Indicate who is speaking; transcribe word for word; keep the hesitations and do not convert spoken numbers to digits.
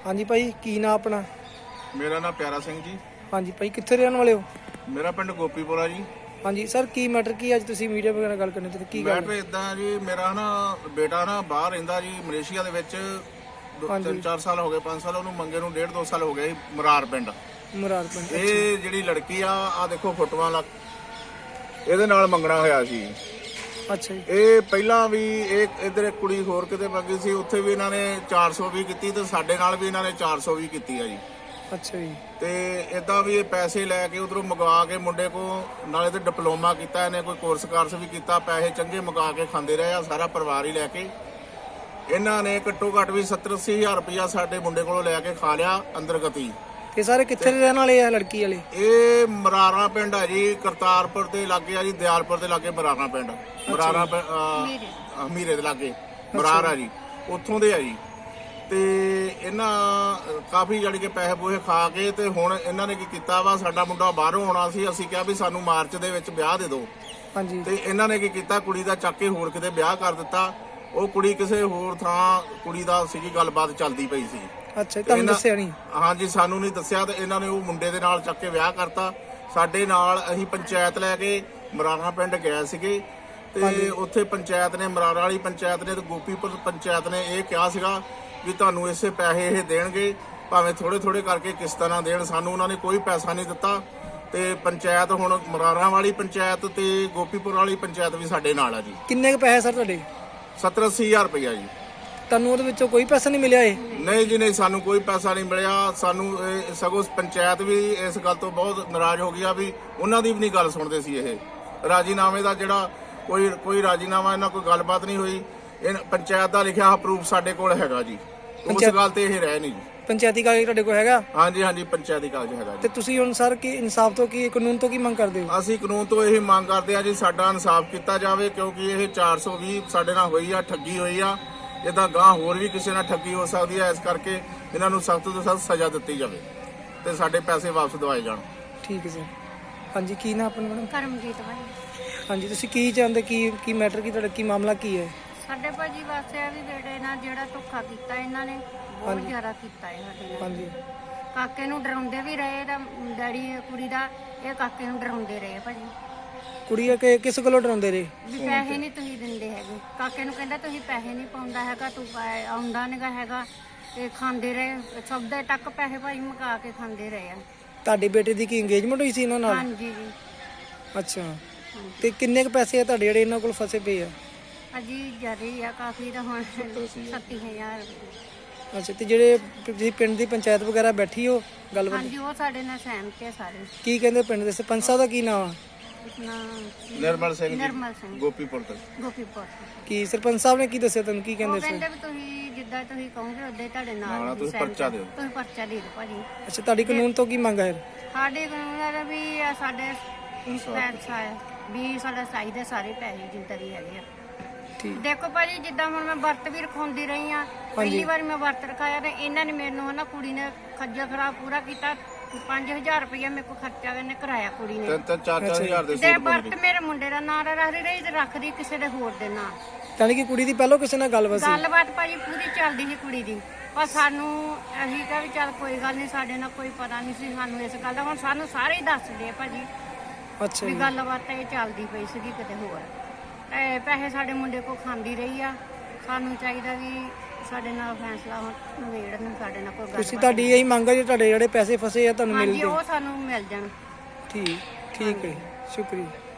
Speaker 1: हाँ जी भाई की ना अपना?
Speaker 2: मेरा नाम प्यारा सिंह जी।
Speaker 1: हाँ जी भाई कित्थे रहने वाले हो?
Speaker 2: मेरा पिंड गोपीपुरा जी।
Speaker 1: हाँ जी सर की मैटर की अज तुसीं मीडिया वगैरह गल करने ते की गल?
Speaker 2: मैटर इदां जी, मेरा ना बेटा ना बाहर रहिंदा जी मलेशिया दे विच दो-
Speaker 1: हाँ जी।
Speaker 2: तीन चार साल हो गए, पाँच साल ਉਹਨੂੰ ਮੰਗੇ ਨੂੰ डेढ़ दो साल हो गए ਮਰਾਰ ਪਿੰਡ।
Speaker 1: ਮਰਾਰ ਪਿੰਡ।
Speaker 2: ਇਹ ਜਿਹੜੀ ਲੜਕੀ ਆ ਆ ਦੇਖੋ ਫੋਟੋਆਂ ਲੱਗ ਇਹਦੇ ਨਾਲ ਮੰਗਣਾ ਹੋਇਆ ਸੀ।
Speaker 1: ਅੱਛਾ ਜੀ।
Speaker 2: ਇਹ ਪਹਿਲਾਂ ਵੀ ਇਹ ਇਧਰ ਇੱਕ ਕੁੜੀ ਹੋਰ ਕਿਤੇ ਮੰਗੀ ਸੀ, ਉੱਥੇ ਵੀ ਇਹਨਾਂ ਨੇ ਚਾਰ ਸੌ ਵੀ ਕੀਤੀ ਤੇ ਸਾਡੇ ਨਾਲ ਵੀ ਇਹਨਾਂ ਨੇ ਚਾਰ ਸੌ ਵੀ ਕੀਤੀ ਆ ਜੀ।
Speaker 1: ਅੱਛਾ ਜੀ।
Speaker 2: ਤੇ ਇਦਾਂ ਵੀ ਇਹ ਪੈਸੇ ਲੈ ਕੇ ਉਧਰੋਂ ਮੰਗਵਾ ਕੇ ਮੁੰਡੇ ਕੋ ਨਾਲੇ ਤੇ ਡਿਪਲੋਮਾ ਕੀਤਾ, ਇਹਨੇ ਕੋਈ ਕੋਰਸ ਕਾਰਸ ਵੀ ਕੀਤਾ, ਪੈਸੇ ਚੰਗੇ ਮੰਗਾ ਕੇ ਖਾਂਦੇ ਰਹੇ ਆ, ਸਾਰਾ ਪਰਿਵਾਰ ਹੀ ਲੈ ਕੇ। ਇਹਨਾਂ ਨੇ ਘੱਟੋ ਘੱਟ ਵੀ ਸੱਤਰ ਅੱਸੀ ਹਜ਼ਾਰ ਰੁਪਇਆ ਸਾਡੇ ਮੁੰਡੇ ਕੋਲੋਂ ਲੈ ਕੇ ਖਾ ਲਿਆ ਅੰਦਰ ਗਤੀ।
Speaker 1: ਇਹ ਸਾਰੇ ਕਿੱਥੇ ਦੇ ਰਹਿਣ ਵਾਲੇ ਆ ਲੜਕੀ ਵਾਲੇ?
Speaker 2: ਇਹ ਮਰਾਰਾ ਪਿੰਡ ਆ ਜੀ, ਕਰਤਾਰਪੁਰ ਦੇ ਲਾਗੇ ਆ ਜੀ, ਦਿਆਲਪੁਰ ਦੇ ਲਾਗੇ ਮਰਾਰਾ ਪਿੰਡ। ਮਰਾਰਾ ਮੀਰੇ ਦੇ ਲਾਗੇ ਮਰਾਰਾ ਜੀ, ਉੱਥੋਂ ਦੇ ਆ ਜੀ। ਤੇ ਇਹਨਾਂ ਕਾਫੀ ਜਿਹੜੀ ਕਿ ਪੈਸੇ ਪੂਸੇ ਖਾ ਕੇ ਤੇ ਹੁਣ ਇਹਨਾਂ ਨੇ ਕੀ ਕੀਤਾ ਵਾ, ਸਾਡਾ ਮੁੰਡਾ ਬਾਹਰੋਂ ਆਉਣਾ ਸੀ, ਅਸੀਂ ਕਿਹਾ ਵੀ ਸਾਨੂੰ ਮਾਰਚ ਦੇ ਵਿੱਚ ਵਿਆਹ ਦੇ ਦਿਓ।
Speaker 1: ਹਾਂਜੀ।
Speaker 2: ਤੇ ਇਹਨਾਂ ਨੇ ਕੀ ਕੀਤਾ, ਕੁੜੀ ਦਾ ਚੱਕ ਕੇ ਹੋਰ ਕਿਤੇ ਵਿਆਹ ਕਰ ਦਿੱਤਾ। ਉਹ ਕੁੜੀ ਕਿਸੇ ਹੋਰ ਥਾਂ ਕੁੜੀ ਦਾ ਸੀਗੀ ਗੱਲਬਾਤ ਚੱਲਦੀ ਪਈ ਸੀ।
Speaker 1: ਅੱਛਾ ਤੁਹਾਨੂੰ ਦੱਸਿਆ ਨਹੀਂ?
Speaker 2: ਹਾਂਜੀ ਸਾਨੂੰ ਨਹੀਂ ਦੱਸਿਆ ਤੇ ਇਹਨਾਂ ਨੇ ਉਹ ਮੁੰਡੇ ਦੇ ਨਾਲ ਚੱਕ ਕੇ ਵਿਆਹ ਕਰਤਾ। ਸਾਡੇ ਨਾਲ ਅਸੀਂ ਪੰਚਾਇਤ ਲੈ ਕੇ ਮਰਾਰਾ ਪਿੰਡ ਗਏ ਸੀਗੇ ਤੇ ਉੱਥੇ ਪੰਚਾਇਤ ਨੇ, ਮਰਾਰਾ ਵਾਲੀ ਪੰਚਾਇਤ ਨੇ ਤੇ ਗੋਪੀਪੁਰ ਪੰਚਾਇਤ ਨੇ ਇਹ ਕਿਹਾ ਸੀਗਾ ਵੀ ਤੁਹਾਨੂੰ ਇਸੇ ਪੈਸੇ ਇਹ ਦੇਣਗੇ, ਭਾਵੇਂ ਥੋੜੇ ਥੋੜੇ ਕਰਕੇ ਕਿਸ਼ਤਾਂ ਨਾਲ ਦੇਣ। ਸਾਨੂੰ ਉਹਨਾਂ ਨੇ ਕੋਈ ਪੈਸਾ ਨਹੀਂ ਦਿੱਤਾ। ਤੇ ਪੰਚਾਇਤ ਹੁਣ ਮਰਾਰਾ ਵਾਲੀ ਪੰਚਾਇਤ ਤੇ ਗੋਪੀਪੁਰ ਵਾਲੀ ਪੰਚਾਇਤ ਵੀ ਸਾਡੇ ਨਾਲ ਆ ਜੀ।
Speaker 1: ਕਿੰਨੇ ਕੁ ਪੈਸੇ ਸਰ ਤੁਹਾਡੇ?
Speaker 2: ਸੱਤਰ ਅੱਸੀ ਹਜ਼ਾਰ ਰੁਪਇਆ ਜੀ।
Speaker 1: ਤੁਹਾਨੂੰ ਉਹਦੇ ਵਿੱਚੋਂ ਕੋਈ ਪੈਸਾ ਨਹੀਂ ਮਿਲਿਆ? ਇਹ
Speaker 2: ਨਹੀਂ ਜੀ ਨਹੀਂ, ਸਾਨੂੰ ਕੋਈ ਪੈਸਾ ਨਹੀਂ ਮਿਲਿਆ। ਸਾਨੂੰ ਇਹ ਸਗੋਂ ਪੰਚਾਇਤ ਵੀ ਇਸ ਗੱਲ ਤੋਂ ਬਹੁਤ ਨਾਰਾਜ਼ ਹੋ ਗਈ ਆ ਵੀ ਉਹਨਾਂ ਦੀ ਵੀ ਨਹੀਂ ਗੱਲ ਸੁਣਦੇ ਸੀ। ਇਹ ਰਾਜੀਨਾਮੇ ਦਾ ਜਿਹੜਾ ਕੋਈ ਕੋਈ ਰਾਜੀਨਾਮਾ ਇਹਨਾਂ ਕੋਈ ਗੱਲਬਾਤ ਨਹੀਂ ਹੋਈ। ਇਹ ਪੰਚਾਇਤ ਦਾ ਲਿਖਿਆ ਪ੍ਰੂਫ ਸਾਡੇ ਕੋਲ ਹੈਗਾ ਜੀ। ਉਸ ਗੱਲ ਤੇ ਇਹ ਰਹਿ ਨਹੀਂ ਜੀ।
Speaker 1: ਪੰਚਾਇਤੀ ਕਾਗਜ਼ ਤੁਹਾਡੇ ਕੋਲ ਹੈਗਾ?
Speaker 2: ਹਾਂਜੀ ਹਾਂਜੀ ਪੰਚਾਇਤੀ ਕਾਗਜ਼ ਹੈਗਾ ਜੀ।
Speaker 1: ਤੇ ਤੁਸੀਂ ਹੁਣ ਸਰ ਕੀ ਇਨਸਾਫ ਤੋਂ ਕੀ ਕਾਨੂੰਨ ਤੋਂ ਕੀ ਮੰਗ ਕਰਦੇ ਹੋ?
Speaker 2: ਅਸੀਂ ਕਾਨੂੰਨ ਤੋਂ ਇਹ ਮੰਗ ਕਰਦੇ ਆ ਜੀ ਸਾਡਾ ਇਨਸਾਫ ਕੀਤਾ ਜਾਵੇ, ਕਿਉਂਕਿ ਇਹ ਚਾਰ ਸੌ ਵੀਹ ਸਾਡੇ ਨਾਲ ਹੋਈ ਆ, ਠੱਗੀ ਹੋਈ ਆ। ਇਦਾਂ ਗਾਂ ਹੋਰ ਵੀ ਕਿਸੇ ਨਾਲ ਠੱਗੀ ਹੋ ਸਕਦੀ ਹੈ, ਇਸ ਕਰਕੇ ਇਹਨਾਂ ਨੂੰ ਸਖਤ ਤੋਂ ਸਖਤ ਸਜ਼ਾ ਦਿੱਤੀ ਜਾਵੇ ਤੇ ਸਾਡੇ ਪੈਸੇ ਵਾਪਸ ਦਿਵਾਏ ਜਾਣ।
Speaker 1: ਠੀਕ ਹੈ ਸਰ। ਹਾਂਜੀ ਕੀ ਨਾ ਆਪਣਾ ਮੈਡਮ?
Speaker 3: ਕਰਮਜੀਤ ਭਾਈ।
Speaker 1: ਹਾਂਜੀ ਤੁਸੀਂ ਕੀ ਚਾਹੁੰਦੇ, ਕੀ ਕੀ ਮੈਟਰ ਕੀ ਤੁਹਾਡਾ ਕੀ ਮਾਮਲਾ ਕੀ ਹੈ?
Speaker 3: ਸਾਡੇ ਭਾਜੀ ਵਾਸਤੇ ਆ ਵੀ ਬੇਟੇ ਨਾਲ ਜਿਹੜਾ ਧੋਖਾ ਕੀਤਾ ਇਹਨਾਂ ਨੇ ਬਹੁਤ ਜ਼ਿਆਦਾ ਕੀਤਾ ਹੈ ਸਾਡੇ ਨਾਲ।
Speaker 1: ਹਾਂਜੀ।
Speaker 3: ਕਾਕੇ ਨੂੰ ਡਰਾਉਂਦੇ ਵੀ ਰਹੇ ਤਾਂ ਡੈਡੀ ਕੁੜੀ ਦਾ ਇਹ ਕਾਕੇ ਨੂੰ ਡਰਾਉਂਦੇ ਰਹੇ ਭਾਜੀ।
Speaker 1: ਕੁੜੀ ਕਿ ਕਿਸ ਕੋਲੋਂ ਡਰਾਉਂਦੇ ਰਹੇ?
Speaker 3: ਵੀ ਪੈਸੇ ਨਹੀਂ ਤੁਸੀਂ ਦਿੰਦੇ ਹੈਗੇ। ਕਾਕੇ ਨੂੰ ਕਹਿੰਦਾ ਤੁਸੀਂ ਪੈਸੇ ਨਹੀਂ ਪਾਉਂਦਾ ਹੈਗਾ, ਤੂੰ ਪੈ- ਆਉਂਦਾ ਨਹੀਂਗਾ ਹੈਗਾ। ਤੇ ਖਾਂਦੇ ਰਹੇ ਸਭ ਦੇ ਤੱਕ ਪੈਸੇ ਭਾਜੀ ਮੁਕਾ ਕੇ ਖਾਂਦੇ ਰਹੇ ਆ।
Speaker 1: ਤੁਹਾਡੇ ਬੇਟੇ ਦੀ ਕੀ ਇੰਗੇਜਮੈਂਟ ਹੋਈ ਸੀ ਇਹਨਾਂ ਨਾਲ?
Speaker 3: ਹਾਂਜੀ ਜੀ।
Speaker 1: ਅੱਛਾ। ਤੇ ਕਿੰਨੇ ਕੁ ਪੈਸੇ ਆ ਤੁਹਾਡੇ ਜਿਹੜੇ ਇਹਨਾਂ ਕੋਲ ਫਸੇ ਪਏ ਆ?
Speaker 3: ਅਜੀ ਜ਼ਿਆਦਾ ਆ ਕਾਫੀ ਤਾਂ ਹੁਣ ਸੱਤੀ ਹਜ਼ਾਰ।
Speaker 1: ਅੱਛਾ। ਤੇ ਜਿਹੜੇ ਤੁਸੀਂ ਪਿੰਡ ਦੀ ਪੰਚਾਇਤ ਵਗੈਰਾ ਬੈਠੀ ਹੋ ਗੱਲਬਾਤ,
Speaker 3: ਹਾਂਜੀ ਉਹ ਸਾਡੇ ਨਾਲ ਸਹਿਮਤ ਹੈ ਸਾਰੇ।
Speaker 1: ਕੀ ਕਹਿੰਦੇ ਪਿੰਡ ਦੇ ਸਰਪੰਚ ਸਾਹਿਬ ਦਾ ਕੀ ਨਾਮ ਆ?
Speaker 3: ਆਪਣਾ
Speaker 2: ਨਿਰਮਲ ਸਿੰਘ ਜੀ,
Speaker 3: ਨਿਰਮਲ ਸਿੰਘ
Speaker 2: ਗੋਪੀਪੁਰ ਤੋਂ।
Speaker 3: ਗੋਪੀਪੁਰ।
Speaker 1: ਕੀ ਸਰਪੰਚ ਸਾਹਿਬ ਨੇ ਕੀ ਦੱਸਿਆ ਤੁਹਾਨੂੰ, ਕੀ
Speaker 3: ਉਹ
Speaker 1: ਕਹਿੰਦੇ ਸੀ?
Speaker 3: ਕਹਿੰਦੇ ਵੀ ਤੁਸੀਂ ਜਿੱਦਾਂ ਤੁਸੀਂ ਕਹੋਗੇ ਉਦਾਂ ਹੀ ਤੁਹਾਡੇ ਨਾਲ
Speaker 2: ਨਾਲ
Speaker 3: ਹੀ
Speaker 2: ਤੁਸੀਂ
Speaker 3: ਸਹਿਮਤ
Speaker 2: ਪਰਚਾ ਦਿਓ।
Speaker 3: ਤੁਸੀਂ ਪਰਚਾ ਦੇ ਦਿਓ ਭਾਜੀ।
Speaker 1: ਅੱਛਾ ਤੁਹਾਡੀ ਕਾਨੂੰਨ ਤੋਂ ਕੀ ਮੰਗ ਹੈ?
Speaker 3: ਸਾਡੇ ਕਾਨੂੰਨ ਹੈ ਵੀ ਆ ਸਾਡੇ ਪੈਸਾ ਹੈ ਵੀ ਸਾਡਾ ਚਾਹੀਦਾ ਸਾਰੇ ਪੈਸੇ ਜਿੰਦਾ ਵੀ ਹੈਗੇ ਆ।
Speaker 1: ਠੀਕ।
Speaker 3: ਦੇਖੋ ਭਾਜੀ ਜਿੱਦਾਂ ਹੁਣ ਮੈਂ ਵਰਤ ਵੀ ਰਖਾਉਂਦੀ ਰਹੀ ਆ, ਪਹਿਲੀ ਵਾਰ ਮੈਂ ਵਰਤ ਰਖਾਇਆ ਤੇ ਇਹਨਾਂ ਨੇ ਮੈਨੂੰ ਹਨਾ ਕੁੜੀ ਨੇ ਖੱਜਲ ਖਰਾਬ ਪੂਰਾ ਕੀਤਾ। ਪੰਜ ਹਜ਼ਾਰ ਰੁਪਇਆ ਮੇਰੇ ਕੋਲ ਖਰਚਾ ਇਹਨੇ ਕਰਾਇਆ ਕੁੜੀ ਨੇ।
Speaker 2: ਤਿੰਨ ਤਿੰਨ ਚਾਰ ਚਾਰ ਹਜ਼ਾਰ ਦੇ
Speaker 3: ਤੇ
Speaker 2: ਸੂਟ
Speaker 3: ਵਰਤ ਮੇਰੇ ਮੁੰਡੇ ਦਾ ਨਾਂ ਰੱਖਦੀ ਰਹੀ ਤੇ ਰੱਖਦੀ ਕਿਸੇ ਦੇ ਹੋਰ ਦੇ ਨਾਂ।
Speaker 1: ਯਾਨੀ ਕਿ ਕੁੜੀ ਦੀ ਪਹਿਲਾਂ ਕਿਸੇ ਨਾਲ ਗੱਲਬਾਤ ਸੀ?
Speaker 3: ਗੱਲਬਾਤ ਭਾਜੀ ਪੂਰੀ ਚੱਲਦੀ ਸੀ ਕੁੜੀ ਦੀ, ਪਰ ਸਾਨੂੰ ਅਸੀਂ ਕਿਹਾ ਵੀ ਚੱਲ ਕੋਈ ਗੱਲ ਨਹੀਂ, ਸਾਡੇ ਨਾਲ ਕੋਈ ਪਤਾ ਨਹੀਂ ਸੀ ਸਾਨੂੰ ਇਸ ਗੱਲ ਦਾ। ਹੁਣ ਸਾਨੂੰ ਸਾਰੇ ਹੀ ਦੱਸਦੇ ਆ ਭਾਜੀ
Speaker 1: ਅੱਛਾ
Speaker 3: ਵੀ
Speaker 1: ਜੀ।
Speaker 3: ਗੱਲਬਾਤ ਇਹ ਚੱਲਦੀ ਪਈ ਸੀਗੀ ਕਿਤੇ ਹੋਰ। ਤੇ ਪੈਸੇ ਸਾਡੇ ਮੁੰਡੇ ਕੋਲ ਖਾਂਦੀ ਰਹੀ ਆ। ਸਾਨੂੰ ਚਾਹੀਦਾ ਵੀ ਸਾਡੇ ਨਾਲ ਫੈਸਲਾ ਹੁਣ ਨਵੇੜਨ, ਸਾਡੇ ਨਾਲ ਕੋਈ ਗੱਲ।
Speaker 1: ਤੁਸੀਂ ਤੁਹਾਡੀ ਇਹੀ ਮੰਗ ਹੈ ਜੀ ਤੁਹਾਡੇ ਜਿਹੜੇ ਪੈਸੇ ਫਸੇ ਆ ਤੁਹਾਨੂੰ ਮਿਲ
Speaker 3: ਹਾਂਜੀ
Speaker 1: ਗਏ?
Speaker 3: ਉਹ ਸਾਨੂੰ ਮਿਲ ਜਾਣ।
Speaker 1: ਠੀਕ ਠੀਕ ਹੈ, ਸ਼ੁਕਰੀਆ।